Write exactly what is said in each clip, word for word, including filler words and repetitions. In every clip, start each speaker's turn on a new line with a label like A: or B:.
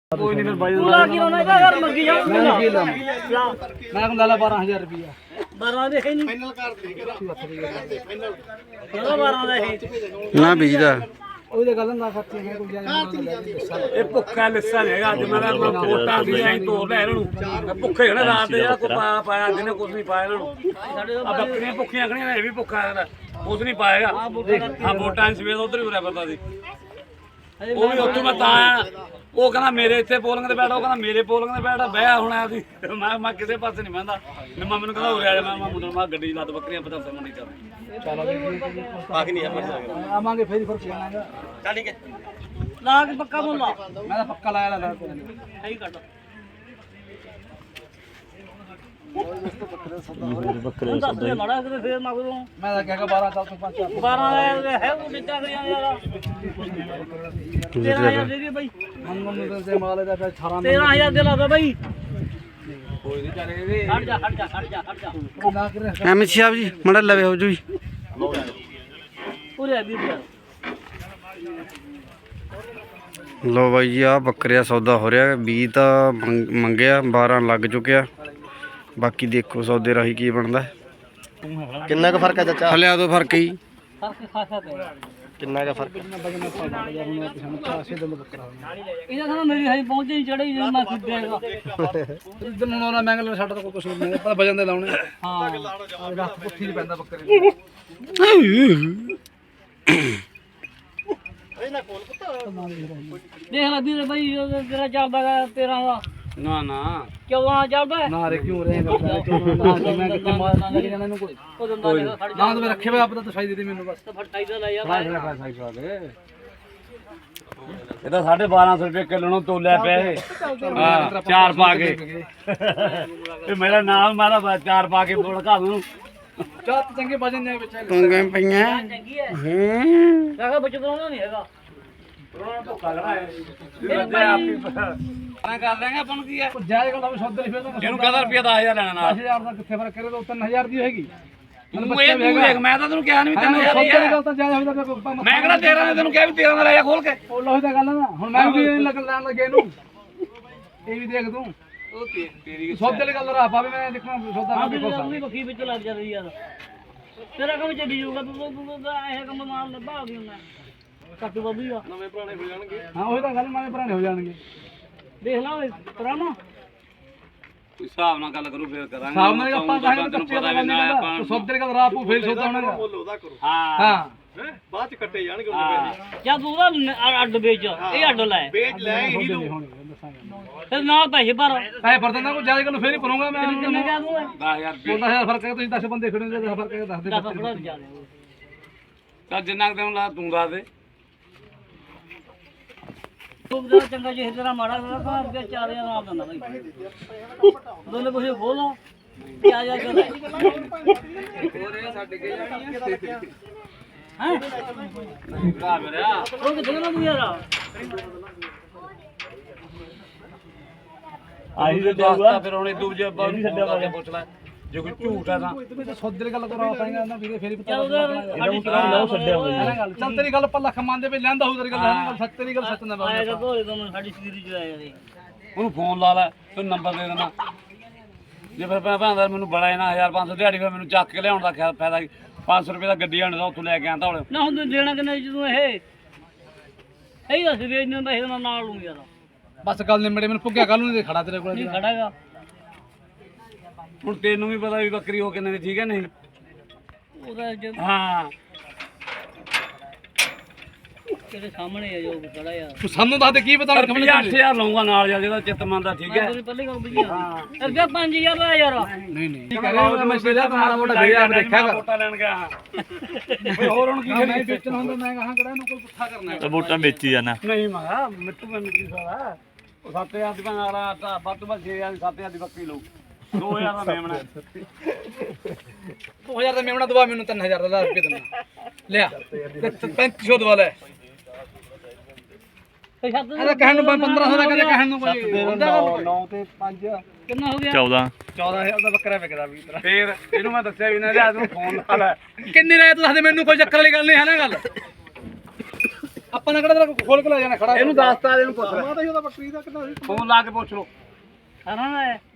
A: कोई नहीं फिर भाई
B: पूरा की होना का यार मंगी जाओ
A: मैं की ला मैं को ला बारह हज़ार रुपया
B: बारह दे है नहीं फाइनल कर दे फाइनल चलो बारह दे है
C: ना बीजदा
A: ਉਹਦੇ ਗੱਲ ਨਾ ਖਰਚੇ ਹੈ ਕੋਈ ਇਹ ਭੁੱਖਾ ਲਿੱਸਾ ਨਹੀਂ ਹੈਗਾ ਅੱਜ ਮੈਂ ਕੋਟਾਂ ਦੀ ਐਂ ਤੋੜ ਲੈ ਇਹਨਾਂ ਨੂੰ ਭੁੱਖੇ ਖੜੇ ਰਾਤ ਦੇ ਜਿਹੜਾ ਕੋਈ ਪਾਇਆ ਪਾਇਆ ਜਿਹਨੇ ਕੁਝ ਨਹੀਂ ਪਾਇਆ ਇਹਨਾਂ ਨੂੰ ਆ ਬੱਕਰੀਆਂ ਭੁੱਖੀਆਂ ਖੜੀਆਂ ਇਹ ਵੀ ਭੁੱਖਾ ਹੈ ਕੁਝ ਨਹੀਂ ਪਾਏਗਾ ਆ ਵੋਟਾਂ ਸਵੇਰ ਉਧਰ ਹੀ ਉਰਿਆ ਪਤਾ ਸੀ ਉਹ ਵੀ ਉੱਥੋਂ ਮੈਂ ਤਾਂ ਆਇਆ ਉਹ ਕਹਿੰਦਾ ਮੇਰੇ ਇੱਥੇ ਪੋਲਿੰਗ ਤੇ ਬੈਠਾ ਉਹ ਕਹਿੰਦਾ ਮੇਰੇ ਪੋਲਿੰਗ ਤੇ ਬੈਠਾ ਬਹਿਆ ਹੁਣ ਆ ਸੀ ਮੈਂ ਮੈਂ ਕਿਸੇ ਪਾਸੇ ਨਹੀਂ ਬਹਿੰਦਾ ਨਿੰਮਾ ਮੈਨੂੰ ਕਹਿੰਦਾ ਉਰੇ ਆ ਜਾ ਮੈਂ ਮੁੰਡਾ ਮੈਂ ਗੱਡੀ ਲੱਦ ਬੱਕਰੀਆਂ ਪਤਾ ਫਿਰ ਨਹੀਂ ਕਰਦਾ ਚਲੋ ਬਾਕੀ ਨਹੀਂ ਆਵਾਂਗੇ ਫੇਰ ਫਿਰ ਆਵਾਂਗੇ ਚੱਲ ਠੀਕ ਹੈ
B: ਲਾ ਕੇ ਪੱਕਾ ਮੁੱਲ ਲਾ
A: ਮੈਂ ਤਾਂ ਪੱਕਾ ਲਾਇਆ ਲਾ
B: ਸਹੀ ਕੱਟ ਬੱਕਰੇ ਸੌਦਾ ਮਾੜਾ ਕਿਤੇ ਫੇਰ ਮੰਗਦੋਂ
A: ਮੈਂ ਤਾਂ ਕਹਾਂਗਾ ਬਾਰਾਂ ਚੱਲ ਤੂੰ ਪੰਜ
B: ਬਾਰਾਂ ਦਾ ਹੈ ਉਹ ਦਿੱਤਾ ਗਿਆ ਯਾਰ ਤੇਰਾਂ ਹਜ਼ਾਰ ਦੇ ਦੇ ਬਾਈ
A: ਮੰਗਣ ਦੇ ਮਾਲ ਦਾ ਫਿਰ ਅਠਾਰਾਂ
B: ਤੇਰਾਂ ਹਜ਼ਾਰ ਦੇ ਲਾ ਦੋ ਬਾਈ
A: ਕੋਈ ਨਹੀਂ ਚੱਲੇ ਵੀ
B: ਹਟ ਜਾ ਹਟ ਜਾ ਹਟ ਜਾ ਹਟ ਜਾ
A: ਨਾ ਕਰੇ
C: ਐਮ ਸਾਹਿਬ ਜੀ ਮੜਾ ਲਵੇ ਹੋ ਜੀ
B: ਪੂਰੇ ਵੀਹ ਹਜ਼ਾਰ
C: ਲੋ ਬਾਈ ਜੀ ਆ ਬੱਕਰਿਆ ਸੌਦਾ ਹੋ ਰਿਹਾ ਵੀਹ ਤਾਂ ਮੰਗ- ਮੰਗਿਆ ਬਾਰਾਂ ਲੱਗ ਚੁੱਕਿਆ ਬਾਕੀ ਦੇਖੋ ਸੌਦੇ ਰਾਹੀਂ ਕੀ ਬਣਦਾ
D: ਕਿੰਨਾ ਕੁ ਫਰਕ ਹੈ ਚਾਚਾ
C: ਹਲਿਆ ਦੋ ਫਰਕ ਹੀ
B: ਫਰਕ ਖਾਸਾ ਪਿਆ
D: ਕਿੰਨਾ ਕੁ ਫਰਕ
B: ਇਹਨਾਂ ਸਾਨੂੰ ਮੇਰੀ ਹਾਈ ਪਹੁੰਚੇ ਨਹੀਂ ਚੜੇ ਜਦੋਂ ਮੈਂ ਖੁੱਦੇਗਾ
A: ਇਦਾਂ ਨੂੰ ਨਾ ਮੰਗਲ ਸਾਡਾ ਤਾਂ ਕੋਈ ਕੁਛ ਨਹੀਂ ਆਪਾਂ ਵਜਨ ਦੇ ਲਾਉਣੇ
B: ਹਾਂ
A: ਰੱਖ ਪੁੱਠੀ ਚ ਪੈਂਦਾ ਬੱਕਰੇ
B: ਦੇਖ ਲੈ ਵੀਰੇ ਬਾਈ ਉਹ ਤੇਰਾ ਚੱਲਦਾ ਗਾ ਤੇਰਾਂ ਦਾ
A: ਨਾ ਨਾ
B: ਚੌਦਾਂ ਚੱਲਦਾ
A: ਨਾ ਰੇ ਕਿਉਂ ਰਹੇ ਕਰਦਾ ਕਿਉਂ ਮੈਂ ਕਿੱਥੇ ਮਾਰ ਲੱਗ ਜਾਣਾ ਇਹਨੂੰ ਕੋਈ
B: ਉਹ ਦੰਦਾ ਦੇਖ ਖੜ ਜਾ
A: ਨਾ ਤਾਂ ਮੈਂ ਰੱਖੇ ਹੋਏ ਆਪ ਤਾਂ ਤਸਾਈ ਦੇ ਦੇ ਮੈਨੂੰ ਬਸ
B: ਫਟਾਈ ਦਾ ਲੈ ਯਾਰ
A: ਇਹ ਤਾਂ ਸਾਢੇ ਬਾਰਾਂ ਸੌ ਰੁਪਏ ਕਿਲੋ ਨੂੰ ਤੋਲਿਆ ਪਿਆ ਇਹ ਹਾਂ ਚਾਰ ਪਾ ਕੇ ਇਹ ਮੇਰਾ ਨਾਮ ਮਾਰਾ ਚਾਰ ਪਾ ਕੇ ਬੜਕਾ ਦੂੰ ਚਾਤ ਚੰਗੇ ਵਜਨ ਨੇ ਵਿੱਚ
C: ਟੁੰਗੇ ਪਈਆਂ
B: ਚੰਗੀ ਹੈ
C: ਹੂੰ
B: ਕਾਕਾ ਬੱਚਾ ਤਾਂ ਨਹੀਂ ਹੈਗਾ
A: ਰੋਣਾ ਭੁੱਖਾ ਖੜਾ ਹੈ ਇਹ ਆਪ ਹੀ ਪਤਾ ਕਰ ਲੈਂਗੇ ਆਪਾਂ ਨੂੰ ਕੀ ਹੈ ਜਾਇਜ਼ ਗੱਲ ਆ ਸੌਦੇ ਲਈ ਫਿਰ ਤਾਂ ਇਹਨੂੰ ਕਹਦਾ ਰੁਪਿਆ ਦਸ ਹਜ਼ਾਰ ਲੈਣਾ ਨਾਲ ਦਸ ਹਜ਼ਾਰ ਦਾ ਕਿੱਥੇ ਫਰਕ ਕਰੇ ਤਾਂ ਤਿੰਨ ਹਜ਼ਾਰ ਦੀ ਹੋਏਗੀ ਤੂੰ ਇਹ ਤੂੰ ਦੇਖ ਮੈਂ ਤਾਂ ਤੈਨੂੰ ਕਿਹਾ ਨਹੀਂ ਤਿੰਨ ਹਜ਼ਾਰ ਦੀ ਹੈ ਗੱਲ ਤਾਂ ਜਾਇਜ਼ ਹੋਈ ਤਾਂ ਮੈਂ ਕਿਹੜਾ ਤੇਰਾਂ ਨੇ ਤੈਨੂੰ ਕਿਹਾ ਵੀ ਤੇਰਾਂ ਦਾ ਲੈ ਜਾ ਖੋਲ ਕੇ ਉਹ ਲੋਹੀ ਦਾ ਗੱਲ ਨਾ ਹੁਣ ਮੈਂ ਵੀ ਲੱਗ ਲੈਣ ਲੱਗੇ ਇਹਨੂੰ ਇਹ ਵੀ ਦੇਖ ਤੂੰ ਉਹ ਤੇਰੀ ਸੌਦੇ ਵਾਲੀ ਗੱਲ ਰਾਹ ਪਾਵੇ ਮੈਂ ਦੇਖਾਂ ਸੌਦਾ
B: ਹਾਂ
A: ਮੈਂ
B: ਵੀ
A: ਦੇਖੋ
B: ਆਪਣੀ ਬੱਕੀ ਵਿੱਚ ਲੱਗ ਜਾਂਦੀ ਯਾਰ ਤੇਰਾ ਕੰਮ ਚੱਲੀ ਜਾਊਗਾ ਤੂੰ ਤੂੰ ਤਾਂ ਇਹ ਕੰਮ ਨਾਲ ਲੱਭਾ ਵੀ ਹੁੰਦਾ ਕੱਟੂ ਬੱਬੀ ਆ
A: ਨਵੇਂ ਪੁਰਾਣੇ ਹੋ ਜਾਣਗੇ ਹਾਂ ਉਹੀ ਤਾਂ ਗੱਲ ਨਵੇਂ ਪੁਰਾਣੇ ਹੋ ਜਾਣਗੇ
B: ਦੇਖ ਲਾ ਓਏ ਪੁਰਾਣਾ
A: ਕੋਈ ਹਿਸਾਬ ਨਾਲ ਗੱਲ ਕਰੂ ਫੇਰ ਕਰਾਂਗੇ ਹਿਸਾਬ ਨਾਲ ਆਪਾਂ ਕਹਾਂਗੇ ਕੱਚੇ ਦਾ ਬੰਦੇ ਦਾ ਸੌਦੇ ਦੀ ਗੱਲ ਰਾਹ ਪੂ ਫੇਰ ਸੌਦਾ ਹੋਣਾਗਾ ਹਾਂ ਹਾਂ ਬਾਅਦ ਚ ਕੱਟੇ ਜਾਣਗੇ ਉਹਦੇ ਪੈਸੇ
B: ਜਾਂ ਤੂੰ ਉਹਦਾ ਅੱਡ ਵੇਚ ਇਹ ਅੱਡ ਲੈ
A: ਵੇਚ ਲੈ ਹੀ ਲੂ
B: ਫਿਰ ਨਾਲ ਪੈਸੇ ਭਰ
A: ਪੈਸੇ ਭਰ ਦਿੰਦਾ ਕੋਈ ਜ਼ਿਆਦਾ ਗੱਲ ਫੇਰ ਹੀ ਭਰੂੰਗਾ ਮੈਂ
B: ਕਿੰਨੇ ਕਹਿ ਦੂੰ
A: ਦਸ ਹਜ਼ਾਰ ਰੁਪਏ ਦਸ ਹਜ਼ਾਰ ਫਰਕ ਹੈ ਤੁਸੀਂ ਦਸ ਬੰਦੇ ਖੜੇ ਨੇ ਦਸ ਫਰਕ ਹੈ ਦੱਸ ਦੇ
B: ਦਸ ਫੜਾ ਜਾ ਦੇ
A: ਚੱਲ ਜਿੰਨਾ ਤੈਨੂੰ ਲਾ ਤੂੰ ਦੱਸ ਦੇ
B: ਤੂੰ ਦਾ ਚੰਗਾ ਜੇ ਤੇਰਾ ਮਾੜਾ ਹੋਇਆ ਤਾਂ ਅੱਗੇ ਚਾਰ ਹਜ਼ਾਰ ਨਾਲ ਦਿੰਦਾ ਬਾਈ ਦੋਨੇ ਕੁਝ ਖੋਲੋ ਪਿਆ ਜਾ ਕੇ ਲੈ
A: ਹੋਰ ਛੱਡ ਕੇ ਜਾਣੀ ਹੈ
B: ਹੈ
A: ਭਰਾ ਮੇਰਾ
B: ਉਹ ਕਿੱਥੇ ਨਾ ਤੂੰ ਯਾਰ
A: ਆਹੀ ਤੇ ਦੱਸਦਾ ਫਿਰ ਹੁਣ ਦੂਜੇ ਬਾਹਰ ਛੱਡਿਆ ਵਾ ਪੁੱਛ ਲੈ ਜੇ ਕੋਈ ਝੂਠ ਹੈ ਤਾਂ ਸੌਦੇ ਦੀ ਗੱਲ ਕਰਾ ਪਾਏਗਾ ਨਾ ਵੀਰੇ ਫੇਰ ਹੀ ਪਤਾ
B: ਲਓ ਛੱਡਿਆ ਹੋਇਆ
A: ਚੱਲ ਤੇਰੀ ਗੱਲ ਪੱਲਾ ਖਮਾਂਦੇ ਵੀ ਲੈਂਦਾ ਹੋਊ ਤੇਰੀ ਗੱਲ ਹੈ ਸੱਚ ਤੇਰੀ ਗੱਲ ਸੱਚ ਨਾ
B: ਆਇਆ ਤਾਂ ਦੋਏ ਦੋਨੋਂ ਸਾਡੀ ਸਰੀਰ ਚ ਆਇਆ ਦੇ
A: ਉਹਨੂੰ ਫੋਨ ਲਾ ਲੈ ਤੂੰ ਨੰਬਰ ਦੇ ਦੇਣਾ ਜੇ ਫਿਰ ਮੈਂ ਭਾਂਦਾ ਮੈਨੂੰ ਬੜਾ ਇਹਨਾਂ ਹਜ਼ਾਰ ਪੰਜ ਸੌ ਦਿਹਾੜੀ ਫਿਰ ਮੈਨੂੰ ਚੱਕ ਕੇ ਲਿਆਉਣ ਦਾ ਖਿਆਲ ਫਾਇਦਾ ਪੰਜ ਸੌ ਰੁਪਏ ਦਾ ਗੱਡੀ ਆਣ ਦਾ ਉੱਥੋਂ ਲੈ ਕੇ ਆਂਦਾ ਹੁਣ
B: ਨਾ ਹੁਣ ਤੂੰ ਦੇਣਾ ਕਿੰਨੇ ਜਦੋਂ ਇਹ ਇਹ ਦੱਸ ਵੇਚ ਨਹੀਂ ਪੈਸੇ ਮੈਂ ਨਾਲ ਲੂੰ ਯਾਰ
A: ਬਸ ਗੱਲ ਨਿਮੜੇ ਮੈਨੂੰ ਪੁੱਗਿਆ ਕੱਲ ਨੂੰ ਖੜਾ ਤੇਰੇ ਕੋਲ
B: ਨਹੀਂ ਖੜਾਗਾ
A: ਹੁਣ ਤੈਨੂੰ ਵੀ ਪਤਾ ਵੀ ਬੱਕਰੀ ਹੋ ਕਿੰਨੇ ਦੀ ਠੀਕ ਹੈ ਨਹੀਂ
B: ਉਹਦਾ ਜੋ
A: ਹਾਂ
B: ਤੇਰੇ ਸਾਹਮਣੇ ਆ ਜੋ ਖੜਾ ਯਾਰ
A: ਤੂੰ ਸਾਨੂੰ ਦੱਸ ਦੇ ਕੀ ਪਤਾ ਅੱਠ ਹਜ਼ਾਰ ਲਊਂਗਾ ਨਾਲ ਜਾ ਜਿਹਦਾ ਚਿੱਤ ਮੰਨਦਾ ਠੀਕ ਹੈ
B: ਤੇਰੇ ਪਹਿਲੇ ਕੰਮ ਬਈਆ ਅੱਗੇ ਪੰਜ ਹਜ਼ਾਰ ਦਾ ਯਾਰ
A: ਨਹੀਂ ਨਹੀਂ ਠੀਕ ਹੈ ਮੈਂ ਸਿਰਾ ਮਾੜਾ ਮੋਟਾ ਵੀਡੀਓ ਆਪ ਦੇਖਿਆਗਾ ਵੋਟਾਂ ਲੈਣ ਗਿਆ ਹੋਰ ਹੁਣ ਕੀ ਕਰੀ ਵੇਚਣ ਹੁੰਦਾ ਮੈਂ ਕਹਾਂ ਕਿਹੜਾ ਇਹਨੂੰ ਕੋਈ ਪੁੱਠਾ ਕਰਨਾ
D: ਤੇ ਵੋਟਾਂ ਵੇਚੀ ਜਾਣਾ
A: ਨਹੀਂ ਮਗਾ ਮਿੱਟੂ ਮੈਂ ਮਿੱਟੀ ਸਾਲਾ ਉਹ ਸੱਤ ਹਜ਼ਾਰ ਦੀ ਬਣਾ ਰਾ ਵੱਧ ਤੋਂ ਵੱਧ ਛੇ ਹਜ਼ਾਰ ਦੀ ਸੱਤ ਹਜ਼ਾਰ ਦੀ ਬੱਕਰੀ ਲਊ ਦੋ ਹਜ਼ਾਰ ਦਾ ਮੇਮਣਾ ਦੋ ਹਜ਼ਾਰ ਦਾ ਮੇਮਣਾ ਦਵਾ ਮੈਨੂੰ ਤਿੰਨ ਹਜ਼ਾਰ ਦਾ ਰੁਪਏ ਦਿੰਦਾ ਲਿਆ ਪੈਂਤੀ ਸੌ ਦਵਾ ਲੈ ਇਹਦਾ ਕਹਿਣ ਨੂੰ ਪੰਦਰਾਂ ਸੌ ਦਾ ਕਦੇ ਕਹਿਣ ਨੂੰ ਕੋਈ ਨੌ ਤੇ ਪੰਜ
B: ਕਿੰਨਾ ਹੋ ਗਿਆ
D: ਚੌਦਾਂ
A: ਚੌਦਾਂ ਹਜ਼ਾਰ ਦਾ ਬੱਕਰਾ ਵਿਕਦਾ ਵੀ ਤੇਰਾ ਫੇਰ ਇਹਨੂੰ ਮੈਂ ਦੱਸਿਆ ਵੀ ਨਾ ਲਿਆ ਤੂੰ ਫੋਨ ਲਾ ਲੈ ਕਿੰਨੇ ਰਾਇ ਤੂੰ ਦੱਸ ਦੇ ਮੈਨੂੰ ਕੋਈ ਚੱਕਰ ਵਾਲੀ ਗੱਲ ਨਹੀਂ ਹੈ ਨਾ ਗੱਲ
E: ਆਪਾਂ ਨੇ ਕਿਹੜਾ ਖੋਲ ਕੇ ਲੈ ਜਾਣਾ ਖੜਾ
A: ਇਹਨੂੰ ਦੱਸਤਾ ਇਹਨੂੰ ਪੁੱਛ ਲੈ
E: ਮੈਂ ਤਾਂ ਉਹਦਾ ਬੱਕਰੀ ਦਾ ਕਿੰਨਾ ਸੀ
A: ਫੋਨ ਲਾ ਕੇ ਪੁੱਛ ਲੋ
B: ਸਾਰਾ ਨਾ ਹੈ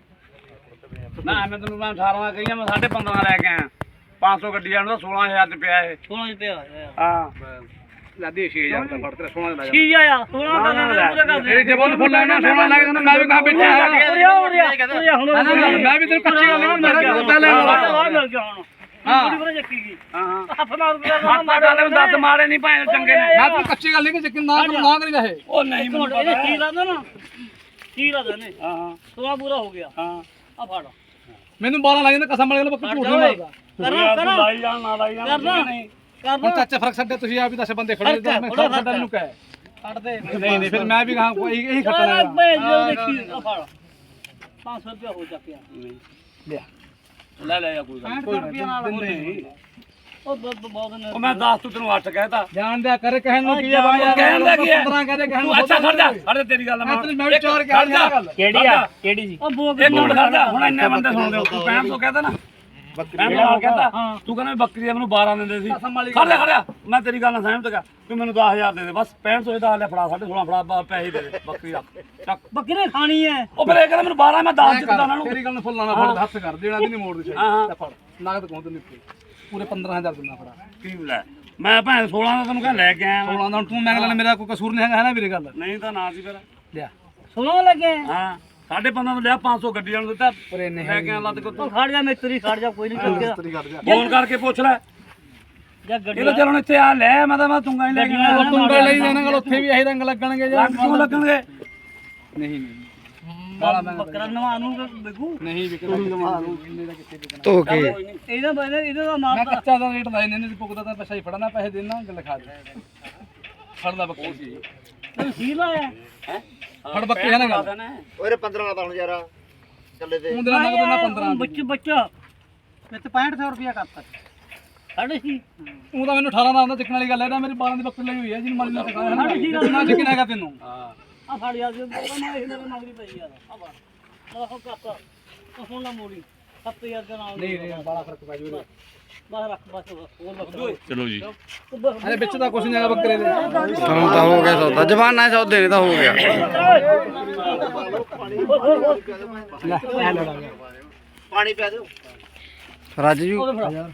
A: ਨਾ ਮੈਂ ਤੈਨੂੰ ਮੈਂ ਅਠਾਰਾਂ ਕਹੀਆਂ ਮੈਂ ਸਾਢੇ ਪੰਦਰਾਂ ਲੈ ਕੇ ਆਇਆ ਪੰਜ ਸੌ ਗੱਡੀ ਜਾਣ ਦਾ ਸੋਲਾਂ ਹਜ਼ਾਰ ਚ ਪਿਆ ਇਹ
B: ਸੋਲਾਂ ਚ ਪਿਆ ਹੋਇਆ
A: ਹਾਂ ਲਾਦੀ ਛੇ ਹਜ਼ਾਰ ਦਾ ਫੜ ਤੇਰਾ ਸੋਲਾਂ ਦਾ
B: ਠੀਕ ਆ ਯਾਰ ਸੋਲਾਂ ਦਾ ਨਾ ਪੂਰਾ ਕਰ ਦੇ
A: ਇਹ ਜੇ ਬੋਲ ਫੁੱਲ ਲੈਣਾ ਸੋਲਾਂ ਲੱਗ ਜਾਂਦਾ ਮੈਂ ਵੀ ਕਹਾਂ ਬੈਠਾ
B: ਉਰਿਆ ਉਰਿਆ ਉਰਿਆ ਹੁਣ
A: ਮੈਂ ਵੀ ਤੈਨੂੰ ਕੱਚੀ ਗੱਲ ਨਹੀਂ ਮੈਂ ਪਤਾ ਲੈ
B: ਬਾਹਰ ਮਿਲ ਗਿਆ ਹੁਣ ਹਾਂ ਪੂਰਾ ਚੱਕੀ ਗਈ
A: ਹਾਂ ਹਾਂ
B: ਹੱਥ ਮਾਰ ਕੇ
A: ਮਾਤਾ ਗੱਲ ਦੱਤ ਮਾਰੇ ਨਹੀਂ ਭਾਵੇਂ ਚੰਗੇ ਨੇ
E: ਮੈਂ ਤੈਨੂੰ ਕੱਚੀ ਗੱਲ ਨਹੀਂ ਕਿ ਯਕੀਨ ਨਾ ਕਰ ਨਾ ਕਰੀ ਰਹੇ
A: ਉਹ ਨਹੀਂ ਮੈਨੂੰ ਪਤਾ
B: ਇਹਨੇ ਕੀ ਲਾਦਾ ਨਾ ਕੀ ਲਾਦਾ ਨੇ
A: ਹਾਂ ਹਾਂ
B: ਸੋਲਾਂ ਪੂਰਾ ਹੋ ਗਿਆ
A: ਹਾਂ
B: ਆ ਫੜ
E: ਮੈਨੂੰ ਬਾਰਾਂ ਲੱਗ ਜਾਂਦਾ ਕਸਮ ਵਾਲੇ ਬੱਕਰੀ ਝੂਠ ਨਹੀਂ ਮਾਰਦਾ
B: ਕਰਨਾ ਕਰਨਾ
A: ਲਾਈ ਜਾਣ ਨਾ ਲਾਈ ਜਾਣ
B: ਕਰਨਾ
A: ਨਹੀਂ
E: ਹੁਣ
B: ਕਰਨਾ
E: ਚਾਚਾ ਫਰਕ ਛੱਡੇ ਤੁਸੀਂ ਆਪ ਹੀ ਦਸ ਬੰਦੇ ਖੜੇ ਨੇ ਮੈਂ ਫਰਕ ਛੱਡਾ ਮੈਨੂੰ ਕਹਿ
B: ਕੱਢਦੇ
E: ਨਹੀਂ ਨਹੀਂ ਫਿਰ ਮੈਂ ਵੀ ਕਹਾਂ ਕੋਈ ਇਹੀ ਖੱਟਣਾ
B: ਆ ਬੇ ਜੋ ਦੇਖੀ ਆ ਫੜ ਪੰਜ ਸੌ ਰੁਪਇਆ ਹੋ ਚੱਕਿਆ
E: ਲਿਆ
A: ਲੈ ਲੈ ਜਾ ਕੋਈ ਗੱਲ
E: ਕੋਈ ਰੁਪਿਆ ਨਾਲ
A: ਨਹੀਂ
B: ਉਹ ਬਹੁਤ ਬਹੁਤ ਨੇ
A: ਉਹ ਮੈਂ ਦਸ ਤੂੰ ਤੈਨੂੰ ਅੱਠ ਕਹਿਤਾ
E: ਜਾਣ ਦਿਆ ਕਰ ਕਹਿਣ ਨੂੰ ਕੀ ਆ ਬਾਬਾ ਯਾਰ
A: ਕਹਿਣ ਦਾ ਕੀ ਹੈ?
E: ਪੰਦਰਾਂ ਕਹਦੇ ਕਹਿਣ
A: ਤੂੰ ਅੱਛਾ ਖੜ ਜਾ ਖੜ ਜਾ ਤੇਰੀ ਗੱਲ
E: ਮੈਂ ਤੈਨੂੰ ਮੈਂ ਵੀ ਚਾਰ ਕਹਿ ਰਿਹਾ ਗੱਲ
A: ਕਿਹੜੀ ਆ
B: ਕਿਹੜੀ ਜੀ ਉਹ ਬੋਕ
A: ਇੱਕ ਮਿੰਟ ਖੜ ਜਾ ਹੁਣ ਇੰਨੇ ਬੰਦੇ ਸੁਣਦੇ ਹੋ ਤੂੰ ਪੈਂਹਠ ਸੌ ਕਹਿੰਦਾ ਨਾ ਬੱਕਰੀ ਦਾ ਕਹਿੰਦਾ ਤੂੰ ਕਹਿੰਦਾ ਬੱਕਰੀ ਦਾ ਮੈਨੂੰ ਬਾਰਾਂ ਦਿੰਦੇ ਸੀ ਖੜ ਜਾ ਖੜ ਜਾ ਮੈਂ ਤੇਰੀ ਗੱਲ ਨਾਲ ਸਹਿਮਤ ਕਰ ਤੂੰ ਮੈਨੂੰ ਦਸ ਹਜ਼ਾਰ ਦੇ ਦੇ ਬਸ ਪੈਂਹਠ ਸੌ ਦਾ ਲੈ ਫੜਾ ਸਾਢੇ ਸੋਲਾਂ ਫੜਾ ਬਾ- ਪੈਸੇ ਦੇ ਦੇ ਬੱਕਰੀ ਰੱਖ ਚੱਕ
B: ਬੱਕਰੀ ਖਾਣੀ ਹੈ
A: ਉਹ ਫਿਰ ਇਹ ਕਹਿੰਦਾ ਮੈਨੂੰ ਬਾਰਾਂ ਮੈਂ ਦਸ ਦਿੱਤਾ ਉਹਨਾਂ ਨੂੰ
E: ਤੇਰੀ ਗੱਲ ਨੂੰ ਫੁੱਲ ਲਾਣਾ ਫੜ ਹੱਥ ਕਰ ਦੇਣਾ ਵੀ ਨਹੀਂ ਮੋੜਦੀ
A: ਹਾਂ, ਹਾਂ।
E: ਚਾਹੀਦੀ ਫੜ ਨਗਦ ਕੋਹ ਤੈਨੂੰ ਪੂਰੇ ਪੰਦਰਾਂ ਹਜ਼ਾਰ ਦਿੰਦਾ ਫੜਾ
A: ਕੀ ਲੈ ਮੈਂ ਭੈਣ ਸੋਲਾਂ ਦਾ ਤੈਨੂੰ ਕਹਿੰਦਾ ਲੈ ਕੇ ਆਇਆ ਵਾਂ।
E: ਸੋਲਾਂ ਦਾ ਹੁਣ ਤੂੰ ਮੈਂ ਲੈਣਾ ਮੇਰਾ ਕੋਈ ਕਸੂਰ ਨਹੀਂ ਹੈਗਾ ਹੈ ਨਾ ਵੀਰੇ ਗੱਲ
A: ਨਹੀਂ ਤਾਂ ਨਾ ਸੀ ਫਿਰ
E: ਲਿਆ
B: ਸੁਣੋ ਲੱਗੇ
A: ਹਾਂ ਸਾਢੇ ਪੰਦਰਾਂ ਤੋਂ ਲਿਆ ਪੰਜ ਸੌ ਗੱਡੀ ਨੂੰ ਦਿੱਤਾ
E: ਪਰ ਇਹ ਨਹੀਂ
A: ਲੈ ਕੇ ਆ ਲੱਦ ਕੋ
B: ਉਹ ਖੜ ਜਾ ਮਿਸਤਰੀ ਖੜ ਜਾ ਕੋਈ ਨਹੀਂ ਚੱਕਿਆ
E: ਤੇਰੀ ਕਰ ਜਾ
A: ਫੋਨ ਕਰਕੇ ਪੁੱਛ ਲੈ
B: ਜਾਂ ਗੱਡੀ
A: ਇਹ ਤਾਂ ਚਲੋ ਇੱਥੇ ਆ ਲੈ ਮੈਂ ਤਾਂ ਮੈਂ ਤੁੰਗਾ ਹੀ ਲੈ ਕੇ ਆਇਆ
E: ਤੁੰਡੇ ਲਈ ਦੇਣਾ ਗੱਲ ਉੱਥੇ ਵੀ ਇਹੀ ਰੰਗ ਲੱਗਣਗੇ ਜਾਂ
A: ਲੱਗ ਕਿਉਂ ਲੱਗਣਗੇ
E: ਨਹੀਂ ਨਹੀਂ
B: ਬੱਕਰਾ ਨਵਾ ਨੂੰ ਬਿਕੂ
E: ਨਹੀਂ ਵਿਕਦਾ ਨਵਾ ਨੂੰ ਕਿੰਨੇ ਦਾ ਕਿੱਥੇ ਵਿਕਣਾ
C: ਧੋ ਕੇ
B: ਇਹਦਾ ਬਣੇ ਇਹਦਾ ਦਾ
E: ਮੈਂ
B: ਮਾਰ
E: ਕੱਚਾ ਦਾ ਰੇਟ ਲਾਏ ਨੇ ਨਹੀਂ ਪੁੱਗਦਾ ਤਾਂ ਪੈਸਾ ਹੀ ਫੜਨਾ ਪੈਸੇ ਦੇਣਾ ਗੱਲ ਖਾ ਦੇ ਫੜਦਾ ਬੱਕਰੀ ਸੀ
B: ਤੂੰ ਸੀ ਲਾਇਆ
E: ਫੜ ਬੱਕਰੀ ਹੈ ਨਾ ਗੱਲ
D: ਓਏ ਪੰਦਰਾਂ ਦਾ ਹੁਣ ਯਾਰ ਚੱਲੇ ਤੇ
E: ਤੂੰ ਦੇਣਾ ਨਗਦ ਦੇਣਾ ਪੰਦਰਾਂ
B: ਬੱਚ ਬੱਚਾ
E: ਮੈਂ ਤੇ ਪੈਂਹਠ ਸੌ ਰੁਪਿਆ ਕਰਤਾ
B: ਸਾਡੇ ਸੀ
E: ਤੂੰ ਤਾਂ ਮੈਨੂੰ ਅਠਾਰਾਂ ਦਾ ਆਉਂਦਾ ਚੱਕਣ ਵਾਲੀ ਗੱਲ ਹੈ ਨਾ ਮੇਰੀ ਬਾਰਾਂ ਦੀ ਬੱਕਰੀ ਲਈ ਹੋਈ ਹੈ ਜਿਹਨੂੰ ਮਾਲੀ ਨਾਲ ਟਿਕਾਣਾ ਹੈ ਨਾ ਨਾ ਚੱਕਣ ਹੈਗਾ ਤੈਨੂੰ
B: ਆ ਫੜ ਯਾਰ ਜੇ ਮੈਂ ਇਹ ਮੇਰੇ ਮੰਗਦੀ ਪਈ ਯਾਰ ਆ ਫੜ ਮੈਂ ਹੋ ਕਾਪਾ ਹੁਣ ਨਾ ਮੋੜੀ ਸੱਤ ਹਜ਼ਾਰ ਦਾ ਨਾਲ
E: ਨਹੀਂ ਨਹੀਂ ਬੜਾ ਫਰਕ ਪੈ ਜੂਗਾ
B: ਬਸ ਰੱਖ ਬਸ ਹੋਰ ਬੱਕਰਾ
D: ਚਲੋ ਜੀ
E: ਅਰੇ ਵਿੱਚ ਤਾਂ ਕੁਛ ਨਹੀਂ ਹੈਗਾ ਬੱਕਰੇ ਦੇ
C: ਹੁਣ ਤਾਂ ਹੋ ਗਿਆ ਸੌਦਾ ਜਵਾਨਾ ਸੌਦੇ ਨੇ ਤਾਂ ਹੋ ਗਿਆ
E: ਲੈ ਇਹ ਲੜਾ ਗਿਆ
D: ਪਾਣੀ ਪਿਆ ਦਿਓ
C: ਰੱਜ ਜੂ
B: ਉਹਦੇ ਫੜਾ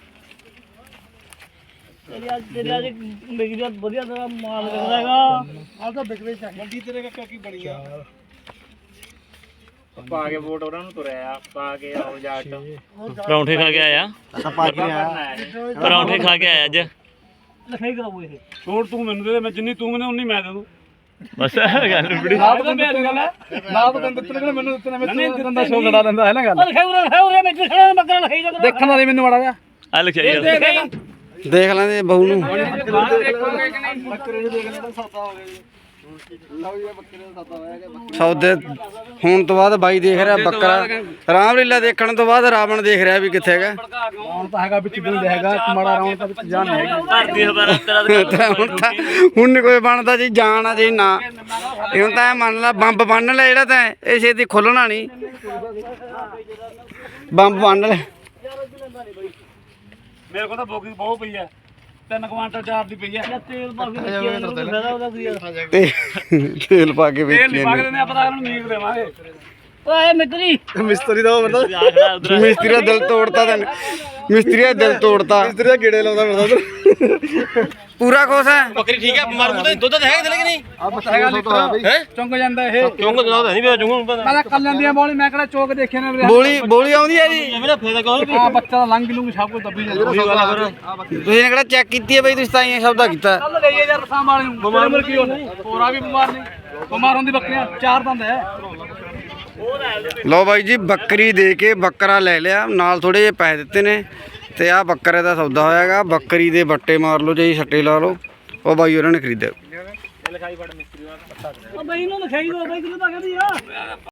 B: ਤੇਰੀ ਅੱਜ ਤੇਰੀ ਅੱਜ ਮੇਰੀ ਦਾ ਵਧੀਆ ਦਾ ਮਾਲ ਵਿਕਦਾ ਹੈਗਾ
E: ਆ ਤਾਂ ਵਿਕਦੇ ਚ ਮੰਡੀ ਤੇਰੇ ਕਾ ਕੀ ਬਣੀ ਆ
D: ਪਾ ਕੇ ਵੋਟ ਉਹਨਾਂ ਨੂੰ ਤੁਰਿਆ ਪਾ ਕੇ ਆਓ ਜਾ ਕੇ
F: ਪਰੌਂਠੇ ਖਾ ਕੇ ਆਇਆ ਪਰੌਂਠੇ ਖਾ ਕੇ ਆਇਆ ਅੱਜ
B: ਲਿਖਾਈ ਕਰਾਉ ਇਹ
A: ਛੋੜ ਤੂੰ ਮੈਨੂੰ ਦੇ ਦੇ ਮੈਂ ਜਿੰਨੀ ਤੂੰ ਮੈਨੂੰ ਉਨੀ ਮੈਂ ਦੇ ਦੂੰ
F: ਬਸ ਗੱਲ ਬੜੀ
E: ਨਾ ਤਾਂ ਮੇਰੀ ਗੱਲ ਹੈ ਨਾ ਤਾਂ ਤੈਨੂੰ ਦਿੱਤੇ ਨੇ ਮੈਨੂੰ ਦਿੱਤੇ ਨੇ ਮੈਂ ਬੰਦਾ ਸ਼ੋ ਲੜਾ ਲੈਂਦਾ ਹੈ ਨਾ ਗੱਲ
B: ਉਹ ਲਿਖਾਈ ਉਰੇ ਲਿਖਾਈ ਉਰੇ ਮੈਂ ਖੜਾ ਬੱਕਰਾ ਲਿਖਾਈ ਜਾ
E: ਦੇਖਣ ਵਾਲੀ ਮੈਨੂੰ ਮਾੜਾ ਜਾ
F: ਆ ਲਿਖਿਆ ਯਾਰ
C: ਦੇਖ ਲੈਂਦੇ ਬਹੂ ਨੂੰ
E: ਬੱਕਰੇ ਨੂੰ ਦੇਖ ਲੈਂਦਾ ਸੌਦਾ ਹੋ ਗਿਆ ਜੀ ਲਓ ਜੀ ਬੱਕਰੇ ਦਾ ਸੌਦਾ ਹੋਇਆ ਗਿਆ
C: ਸੌਦੇ ਹੋਣ ਤੋਂ ਬਾਅਦ ਬਾਈ ਦੇਖ ਰਿਹਾ ਬੱਕਰਾ ਰਾਮਲੀਲਾ ਦੇਖਣ ਤੋਂ ਬਾਅਦ ਰਾਵਣ ਦੇਖ ਰਿਹਾ ਵੀ ਕਿੱਥੇ ਹੈਗਾ
E: ਹੁਣ ਤਾਂ ਹੈਗਾ ਵਿੱਚ ਦਿਲ ਹੈਗਾ ਮਾੜਾ ਰਾਉਂ ਤਾਂ ਵਿੱਚ ਜਾਨ ਹੈਗੀ
F: ਧਰਤੀ ਹਵਾਰਾ ਤੇਰਾ
C: ਤਾਂ ਹੁਣ ਤਾਂ ਹੁਣ ਨੀ ਕੋਈ ਬਣਦਾ ਜੀ ਜਾਣ ਆ ਜੀ ਨਾ ਇਹ ਹੁਣ ਤਾਂ ਇਹ ਮੰਨ ਲਾ ਬੰਬ ਬੰਨ ਲੈ ਜਿਹੜਾ ਤਾਂ ਇਹ ਛੇਤੀ ਖੁੱਲਣਾ ਨਹੀਂ ਬੰਬ ਬੰਨ ਲੈ
A: ਮੇਰੇ ਕੋਲ ਤਾਂ ਬੋਗੀ ਬਹੁਤ ਪਈ ਐ ਤਿੰਨ ਕੁਆਂਟਲ ਚਾਰ ਦੀ ਪਈ ਐ
B: ਜਾਂ ਤੇਲ ਪਾ ਕੇ ਰੱਖਿਆ ਇਹਨੂੰ ਫਾਇਦਾ ਉਹਦਾ ਕੀ ਯਾਰ
C: ਤੇ ਤੇਲ ਪਾ ਕੇ
A: ਤੇਲ
C: ਵੇਚੀ
A: ਨਹੀਂ ਪਾਗਦੇ ਨੇ ਆਪਾਂ ਤਾਂ ਇਹਨਾਂ ਨੂੰ ਮੀਟ ਦੇਵਾਂਗੇ
B: ਓਏ ਮਿੱਤਰੀ
E: ਮਿਸਤਰੀ ਦਾ ਉਹ ਬੰਦਾ
F: ਆਖੜਾ ਉਧਰ
C: ਮਿਸਤਰੀ ਦਾ ਦਿਲ ਤੋੜਤਾ ਤੈਨੂੰ ਮਿਸਤਰੀ ਦਾ ਦਿਲ ਤੋੜਤਾ
E: ਮਿਸਤਰੀ ਦਾ ਗੇੜੇ ਲਾਉਂਦਾ ਫਿਰਦਾ
C: ਪੂਰਾ ਖੁਸ਼ ਹੈ
D: ਬੱਕਰੀ ਠੀਕ ਹੈ ਮਰ ਮੁੱਦਾ ਦੁੱਧ ਤਾਂ ਹੈਗਾ ਕਿ ਨਹੀਂ
E: ਆ ਪਤਾ ਹੈਗਾ ਲੀਟਰ ਹੈ ਚੁੰਗ ਜਾਂਦਾ ਇਹ
D: ਕਿਉਂ ਦੁੱਧ ਨਹੀਂ ਪਿਆ ਜੂੰ
E: ਮੈਂ ਤਾਂ ਕੱਲ ਲੈਂਦੀਆਂ ਬੋਲੀ ਮੈਂ ਕਿਹੜਾ ਚੋਕ ਦੇਖਿਆ ਨੇ ਵੀਰੇ
C: ਬੋਲੀ ਬੋਲੀ ਆਉਂਦੀ ਹੈ ਜੀ
D: ਮੇਰਾ ਫਾਇਦਾ ਕੌਣ
E: ਆ ਬੱਚਾ ਦਾ ਲੰਘ ਲੂੰਗ ਸਭ ਕੁਝ ਦੱਬੀ ਜਾਂਦਾ
C: ਤੁਸੀਂ ਨੇ ਕਿਹੜਾ ਚੈੱਕ ਕੀਤੀ ਹੈ ਬਈ ਤੁਸੀਂ ਤਾਂ ਇਹ ਸੌਦਾ ਕੀਤਾ
E: ਕੱਲ ਲਈਏ ਯਾਰ ਰਸਾਂ ਵਾਲੇ ਨੂੰ ਬਿਮਾਰ ਮਰ ਕੀ ਹੋਣਾ ਹੋਰਾ ਵੀ ਬਿਮਾਰ ਨਹੀਂ ਬਿਮਾਰ ਹੁੰਦੀ ਬੱਕਰੀਆਂ ਚਾਰ ਦੰਦ ਹੈ
C: ਲਓ ਬਾਈ ਜੀ ਬੱਕਰੀ ਦੇ ਕੇ ਬੱਕਰਾ ਲੈ ਲਿਆ ਨਾਲ ਥੋੜੇ ਜਿਹੇ ਪੈਸੇ ਦਿੱਤੇ ਨੇ ਤੇ ਆਹ ਬੱਕਰੇ ਦਾ ਸੌਦਾ ਹੋਇਆਗਾ ਬੱਕਰੀ ਦੇ ਬੱਟੇ ਮਾਰ ਲਓ ਜੀ ਛੱਟੇ ਲਾ ਲਓ ਉਹ ਬਾਈ ਉਹਨਾਂ ਨੇ ਖਰੀਦਿਆ
B: ਉਹ ਬਈ ਨੂੰ ਲਿਖਾਈ ਦੋ ਬਈ ਕਿਹਨੂੰ ਪਾ ਕੇ ਦੀ ਆ